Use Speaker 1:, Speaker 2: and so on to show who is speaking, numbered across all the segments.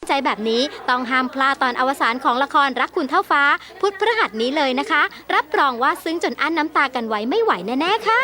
Speaker 1: ใจแบบนี้ต้องห้ามพลาดตอนอวสานของละครรักคุณเท่าฟ้าพุธพฤหัสนี้เลยนะคะรับรองว่าซึ้งจนอั้นน้ำตากันไว้ไม่ไหวแน่ๆค่ะ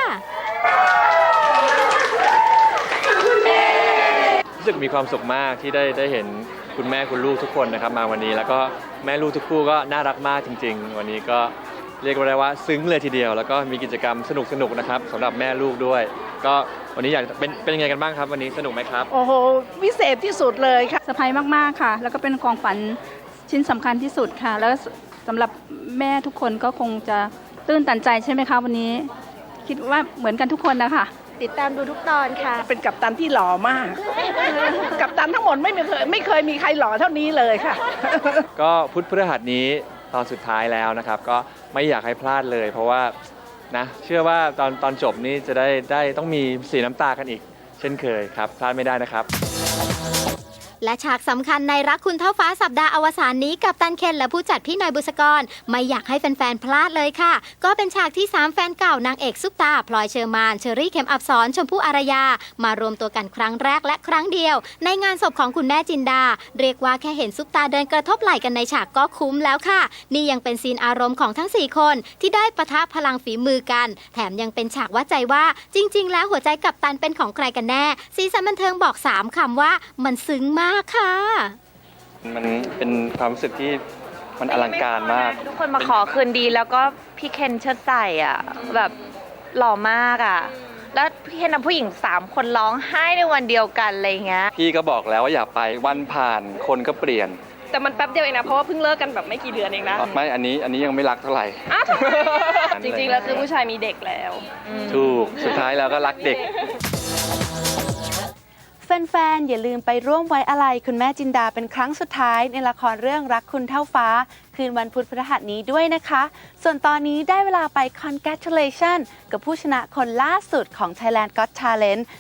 Speaker 2: รู้สึกมีความสุขมากที่ได้เห็นคุณแม่คุณลูกทุกคนนะครับมาวันนี้แล้วก็แม่ลูกทุกคู่ก็น่ารักมากจริงๆวันนี้ก็เรียกได้ว่าซึ้งเลยทีเดียวแล้วก็มีกิจกรรมสนุกๆนะครับสำหรับแม่ลูกด้วยก็วันนี้อยากเป็นยังไงกันบ้างครับวันนี้สนุกไหมครับ
Speaker 3: โอ้โหวิเศษที่สุดเลยค่ะ
Speaker 4: เซอร์ไพรส์มากๆค่ะแล้วก็เป็นของฝันชิ้นสำคัญที่สุดค่ะแล้วสำหรับแม่ทุกคนก็คงจะตื้นตันใจใช่ไหมคะวันนี้คิดว่าเหมือนกันทุกคนนะคะ
Speaker 1: ติดตามดูทุกตอนค่ะ
Speaker 3: เป็นกัปตันที่หล่อมากกัปตันทั้งหมดไม่เคยมีใครหล่อเท่านี้เลยค่ะ
Speaker 2: ก็พุธพฤหัสนี้ตอนสุดท้ายแล้วนะครับก็ไม่อยากให้พลาดเลยเพราะว่านะเชื่อว่าตอนจบนี้จะได้ต้องมีสีน้ำตากันอีกเช่นเคยครับพลาดไม่ได้นะครับ
Speaker 1: และฉากสำคัญในรักคุณเท่าฟ้าสัปดาห์อวสานนี้กับตันเคนและผู้จัดพี่หน่อยบุษกรไม่อยากให้แฟนๆพลาดเลยค่ะก็เป็นฉากที่3แฟนเก่านางเอกซุปตาพลอยเชอร์มานเชอรี่เข็มอับสรชมพู่อารยามารวมตัวกันครั้งแรกและครั้งเดียวในงานศพของคุณแม่จินดาเรียกว่าแค่เห็นซุปตาเดินกระทบไหล่กันในฉากก็คุ้มแล้วค่ะนี่ยังเป็นซีนอารมณ์ของทั้ง4คนที่ได้ปะทะพลังฝีมือกันแถมยังเป็นฉากวัดใจว่าจริงๆแล้วหัวใจกัปตันเป็นของใครกันแน่สีสันบันเทิงบอก3คำว่ามันซึ้งมากค่ะ
Speaker 2: มันเป็นความรู้สึกที่มันอลังการมาก
Speaker 5: ทุกคนมาขอคืนดีแล้วก็พี่เคนเชิดใส่อ่ะแบบหล่อมากอ่ะแล้วพี่เคนนำผู้หญิง3คนร้องไห้ในวันเดียวกันอะไรเงี้ย
Speaker 2: พี่ก็บอกแล้วว่าอย่าไปวันผ่านคนก็เปลี่ยน
Speaker 6: แต่มันแป๊บเดียวเองนะเพราะว่าเพิ่งเลิกกันแบบไม่กี่เดือนเองนะ
Speaker 2: ไม่อันนี้ยังไม่รักเท่าไหร่
Speaker 6: จริงๆแล้วคือผู้ชายมีเด็กแล้ว
Speaker 2: ถูกสุดท้ายแล้วก็รักเด็ก
Speaker 7: แฟนๆ อย่าลืมไปร่วมไว้อาลัยคุณแม่จินดาเป็นครั้งสุดท้ายในละครเรื่องรักคุณเท่าฟ้าคืนวันพุธพฤหัสนี้ด้วยนะคะส่วนตอนนี้ได้เวลาไป congratulation กับผู้ชนะคนล่าสุดของ Thailand Got Talent